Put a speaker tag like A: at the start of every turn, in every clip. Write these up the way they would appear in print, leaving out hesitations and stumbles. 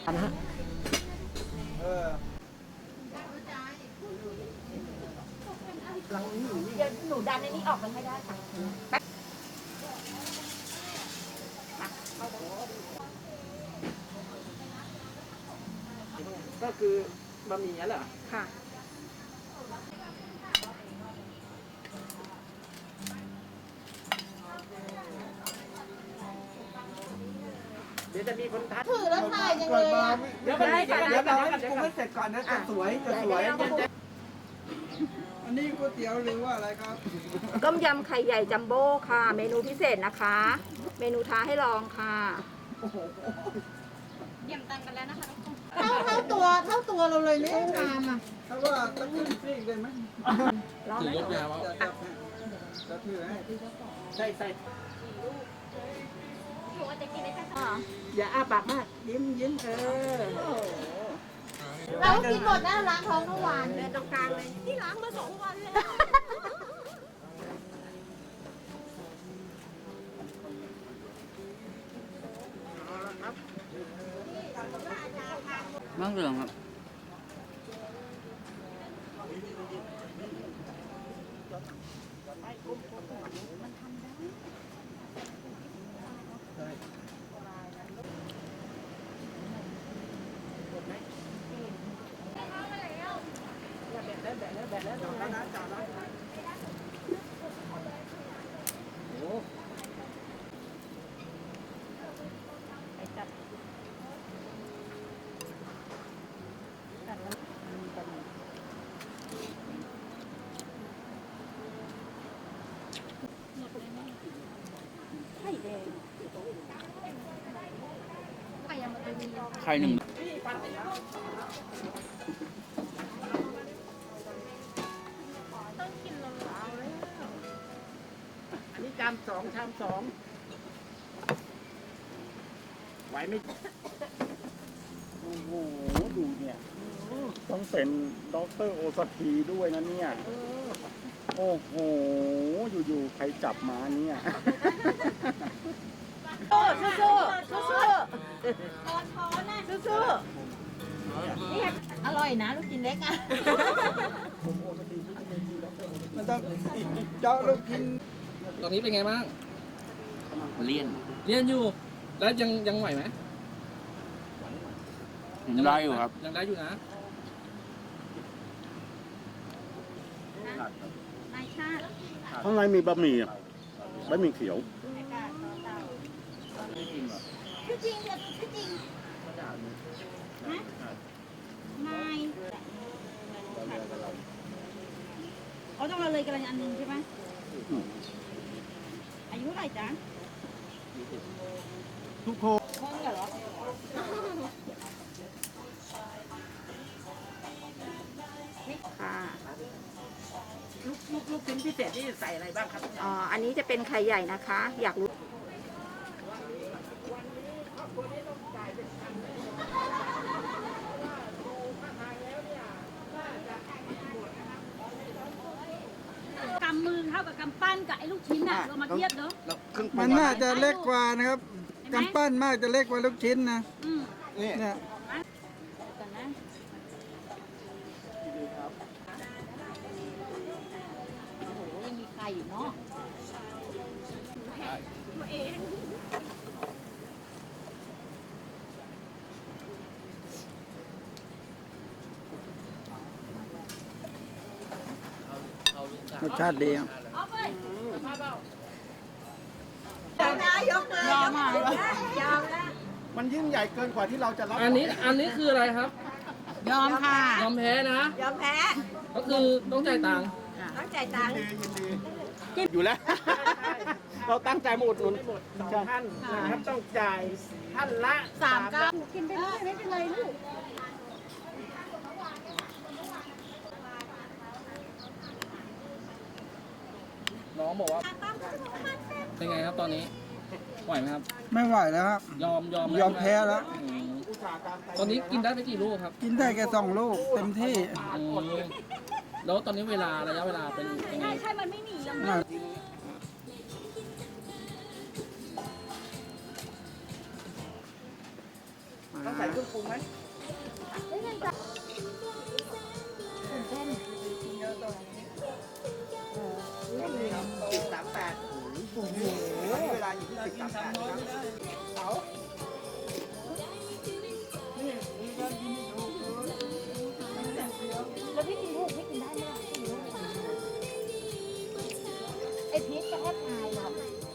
A: นะฮะ
B: เดี๋ยวหนูดันในนี้ออกกันให้ได้ค่ะ
A: ก็คือบะหมี่นั่นเหรอ
B: ค่ะ
A: เดี๋ยวจะมีคนทัก
B: ถือแล้วถ่ายยังเลยอ่ะ
A: เดี๋ยวให้
C: เราให้ปรุงให้เสร็จก่อนนะจะสวยจะสวยอันนี้ก๋วยเตี๋ยวหรือว่าอะไรครับ
B: ต้มยำไข่ใหญ่จัมโบ้ค่ะ เมนูพิเศษนะคะ เมนูท้าให้ลองค่ะเยี่ยมตังกันแล้วนะคะเท่าตัวเราเลยเนี่ยชามอ่ะ
C: ถ้าว่าตั้งขึ้นซีกได้ไหม
B: ร้อนไหม
C: จะถือให้
A: ใส่
B: หนูอาจจะกินได้แค่
A: อย่าอ้าปากมากยิ้ม
B: เรากินหมดนะล้างท้องทุกวันเดินตรงกลางเลยที่ล้างมา2 วันแล้ว
D: มะเหลืองครับไข่หนึ่ง
A: อันนี้ชามสองไหวไหมโอ้โหดูเนี่ยต้องเป็นด็อกเตอร์โอสถีด้วยนะเนี่ยโอ้โหอยู่ๆใครจับมาเนี่ย
B: สู้นี่อร่อยนะลูกชิ้นเล็กอ่ะ
C: มันต้องเจาะลูกชิ้น
E: ตอนนี้เป็นไงบ้าง
D: เลี่ยน
E: เรียนอยู่ แล้วยังไหวไหม
D: ได้อยู่ครับ
E: ยังได้อยู่นะ
B: นายชาติ
F: ข้างในมีบะหมี่เขียว
B: ชื่อจริงเนี่ยชื่อจริงฮะนายเขาต้องเราเลยกันอันหนึ่งใช่ไหมอายุเท่าไหร่จ๊ะ
C: ทุกคน
B: ห้องเหรอค่ะ
A: ลูกชิ้นพิเศษที่ใส่อะไรบ้างครับ
B: อันนี้จะเป็นไข่ใหญ่นะคะ อยากรู้กำมือเท่ากับกำปั้นกับไอ้ลูกชิ้นน่ะเรามาเทียบเนาะ
C: มันน่าจะเล็กกว่านะครับกำปั้นมากจะเล็กกว่าลูกชิ้นนะ
F: นี่
C: เนี่ย
B: กันนะโอ้โหยังมีไข่อยู่เนาะ
C: รสชาติดีครับ
B: ยอมอ่ะยอมแล้ว
F: มันยิ่งใหญ่เกินกว่าที่เราจะรับ
E: อันนี้คืออะไรครับ
B: ยอมค่ะ
E: ยอมแพ้นะ
B: ยอมแพ้
E: ก็คือต้องจ่ายตังค์
B: ต้องจ่ายตังค์
F: อยู่แล้ว
A: เราตั้งใจมาอุดหนุน2 ท่านนะครับต้องจ่ายท่านละ
B: 39กินไปเรื่อยไม่เป็นไรลูก
E: น้องบอกว่า เป็นไงครับตอนนี้ ไหวไหมครับ
C: ไม่ไหวแล้วครับ
E: ยอม
C: ยอมแพ้แล้ว
E: อืมตอนนี้กินได้ไปกี่ลูกครับ
C: กินได้แค่2 ลูกเต็มที่
E: อืมแล้วตอนนี้ระยะเวลาเป็นยังไง
B: ใช่มันไม่หนียัง
C: น่ะ
A: ต้อง
E: ใส่เครื่องปรุงไหม
B: เฮ้ยมันจะตื่นเต้น
E: 10.38โอ้โหเวลาอยู่ที่10.38ครับเอา
B: แล้วพี่กินถูกพี่กินได้ไหมล่ะไอพีชจะแทบตายหรอก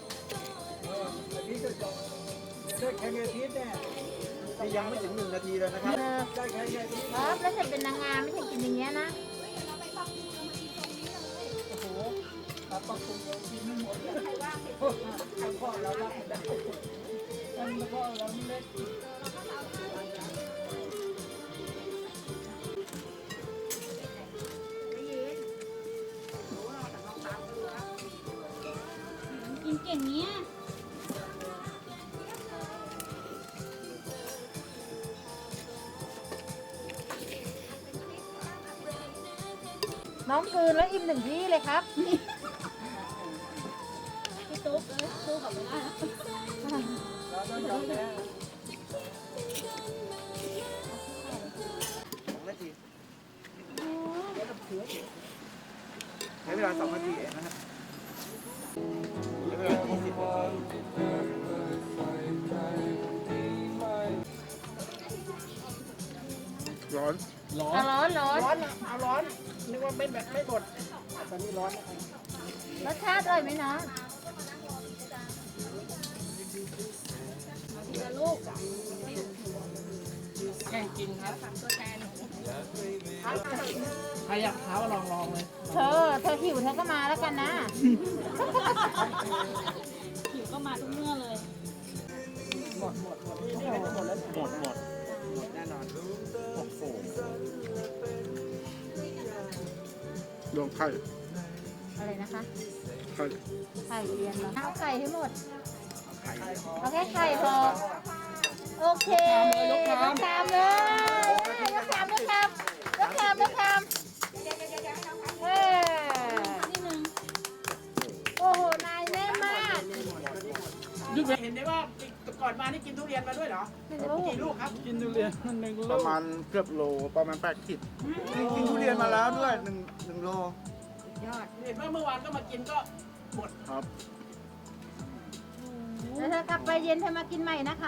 C: ได้แข่งอาทิตย์เนี่ย
E: นี่ยังไม่ถึง1 นาทีเลยนะครับ
C: ได้แข่งอาทิตย์
B: ครับแล้วเสร็จเป็นนางงามไม่ใช่กินอย่างเงี้ยนะ
C: ครับต้องคุมกินไม่หมดเลยใครพ่อเรารับได้มันพ่อเราเล็ก
B: กินเก่งเนี้ยน้องคืนแล้วอิ่ม1 ที่เลยครับพี่ตุ๊กสู้กับไม่ได้นะ
C: เราต้องยอมแพ้
E: 2 นาทีใช้เวลา2 นาทีเองนะฮะใช้เวลา20 นาที
F: ร้อน
E: ร้อน
B: ร้อนร้อน
E: ร้อนนะเอาร้อนนึกว่าไม่แบบไม่บดตอนนี้ร้อนนะ
B: รสชาติอร่อยไหมน้อง
E: แข่งกินครับใครอยากท้ามาลองเลย
B: เธอหิวเธอก็มาแล้วกันนะ หิวก็มาทุกเมื่อเลย
E: หมดนี่ก็จะหมดแล้ว
F: หมด
E: แน่นอน
F: โอ้โหดวงไข่
B: อะไรนะคะ
F: ไข่
B: ไข่เรียนเหรอเอาไข่ให้หมด เอาแค่ไข่พอ โอเคยกชามเลยยกชามเฮ้โอ้โห นายแน่มาก
E: เห็นได้ว่าก่อนมานี่กินทุเรียนมาด้วยเหรอ กี่ลูกครับ
C: กินทุเรียน1
F: ป
C: ลู
F: ระ
C: ก
F: มาณเกือบโลประมาณ8 ขีด
E: กินทุเรียนมาแล้วด้วย1 โล
B: ยอด
E: เห็นว่าเมื่อวานก็มากินก็หมด
F: ครับ
B: แล้วถ้ากลับไปเย็นเธอมากินใหม่นะคะ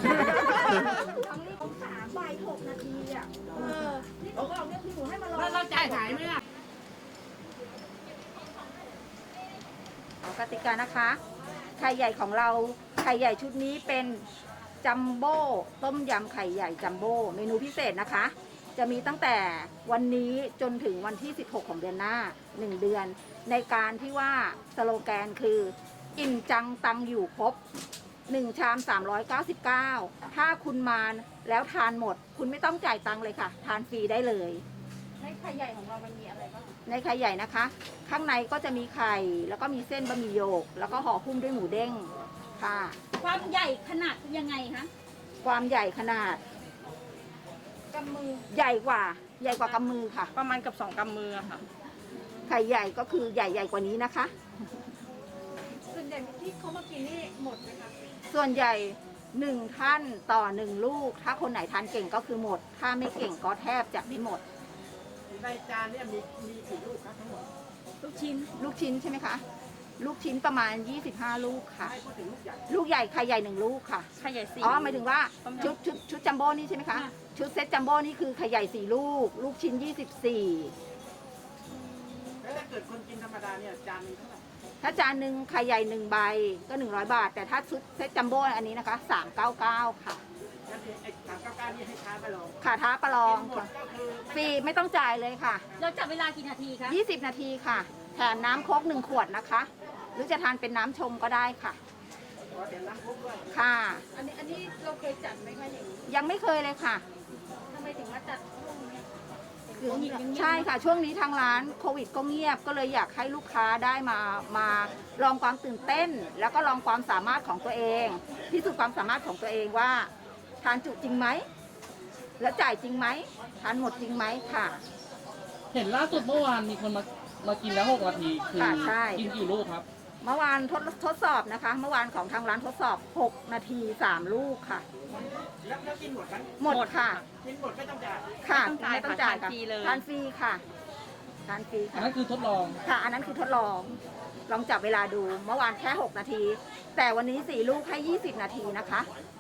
E: แล้วเราจ่ายหายไหมล่ะ
B: กติกานะคะ ไข่ใหญ่ของเรา ไข่ใหญ่ชุดนี้เป็นจัมโบ้ต้มยำไข่ใหญ่จัมโบ้เมนูพิเศษนะคะ จะมีตั้งแต่วันนี้จนถึงวันที่ 16 ของเดือนหน้า 1 เดือน ในการที่ว่าสโลแกนคือ อิ่มจังตังอยู่ครบ 1 ชาม 399 ถ้าคุณมาแล้วทานหมด คุณไม่ต้องจ่ายตังค์เลยค่ะ ทานฟรีได้เลย ในไข่ใหญ่ของเรามันมีอะไรบ้างในไข่ใหญ่นะคะ ข้างในก็จะมีไข่แล้วก็มีเส้นบะหมี่โยก แล้วก็ห่อหุ้มด้วยหมูเด้งค่ะ
G: ความใหญ่ขนาดยังไงคะ
B: ความใหญ่ขนาด
G: กำมือ
B: ใหญ่กว่ากำมือค่ะ
G: ประมาณกับ2 กำมืออะค่ะ
B: ไข่ใหญ่ก็คือใหญ่กว่านี้นะคะ
G: ส่วนใหญ่ที่เขามากินนี่หมดไหมคะ
B: ส่วนใหญ่1 ท่านต่อ 1 ลูก ถ้าคนไหนทานเก่งก็คือหมด ถ้าไม่เก่งก็แทบจะไม่หมด
E: ในจานเนี่ยมีกี่ลูกครับทั้งหมด
B: ลูกชิ้นใช่ไหมคะ ลูกชิ้นประมาณ 25 ลูกค่ะ
E: ให้พูดถึงลูกใหญ่
B: ลูกใหญ่ไข่ใหญ่1 ลูกค่ะ
G: ไข่ใหญ่4
B: อ๋อหมายถึงว่าชุดจัมโบ้นี่ใช่ไหมคะ ชุดเซ็ตจัมโบ้นี่คือไข่ใหญ่4 ลูก ลูกชิ้น 24
E: แล้วถ้าเกิดคนกินธรรมดาเนี่ยจานนึงเท่าไหร่
B: ถ้าจานหนึ่งไข่ใหญ่1 ใบก็100 บาท แต่ถ้าชุดเซ็ตจัมโบ้อันนี้นะคะ399ค่ะ
E: แล้วไอ้399นี่ให้ทานไปลอง
B: ขาท้าประลอง
E: หมด
B: ค่ะ
E: ก็คือ
B: ฟรีไม่ต้องจ่ายเลยค่ะ
G: เราจับเวลากี่นาทีคะ
B: 20 นาทีค่ะ แถมน้ำโค้ก1 ขวดนะคะ หรือจะทานเป็นน้ำชงก็ได้ค่ะ
E: ขอเดี๋ยวล้างคุกด้วย
B: ค่ะ
G: อันนี้เราเคยจัดไหมคะอย่างนี้
B: ยังไม่เคยเลยค่ะ
G: ทำไมถึงมาจัดช่วงนี้
B: ใช่ค่ะ ช่วงนี้ทางร้านโควิดก็เงียบ ก็เลยอยากให้ลูกค้าได้มาลองความตื่นเต้น แล้วก็ลองความสามารถของตัวเองพิสูจน์ความสามารถของตัวเองว่าทานจุจริงไหม แล้วจ่ายจริงไหม ทานหมดจริงไหมค่ะ
E: เห็นล่าสุดเมื่อวานมีคนมากินแล้ว6 นาทีคือ
B: ค่ะใช่
E: กินกี่ลูกครับ
B: เมื่อวานทดสอบนะคะ เมื่อวานของทางร้านทดสอบ 6 นาที 3 ลูกค่ะ
A: แล้วกินหมดกัน
B: หมดค่ะ
A: กินหมดไม่ต้องจ่าย
B: ค่ะ
G: ไม่ต้องจ่ายค่ะทานฟรีเลย
B: ทานฟรีค่ะทานฟรี
E: อัน
B: ค่ะ
E: นั้นคือทดลอง
B: ค่ะ อันนั้นคือทดลอง ลองจับเวลาดู เมื่อวานแค่ 6 นาที แต่วันนี้ 4 ลูกให้ 20 นาทีนะคะ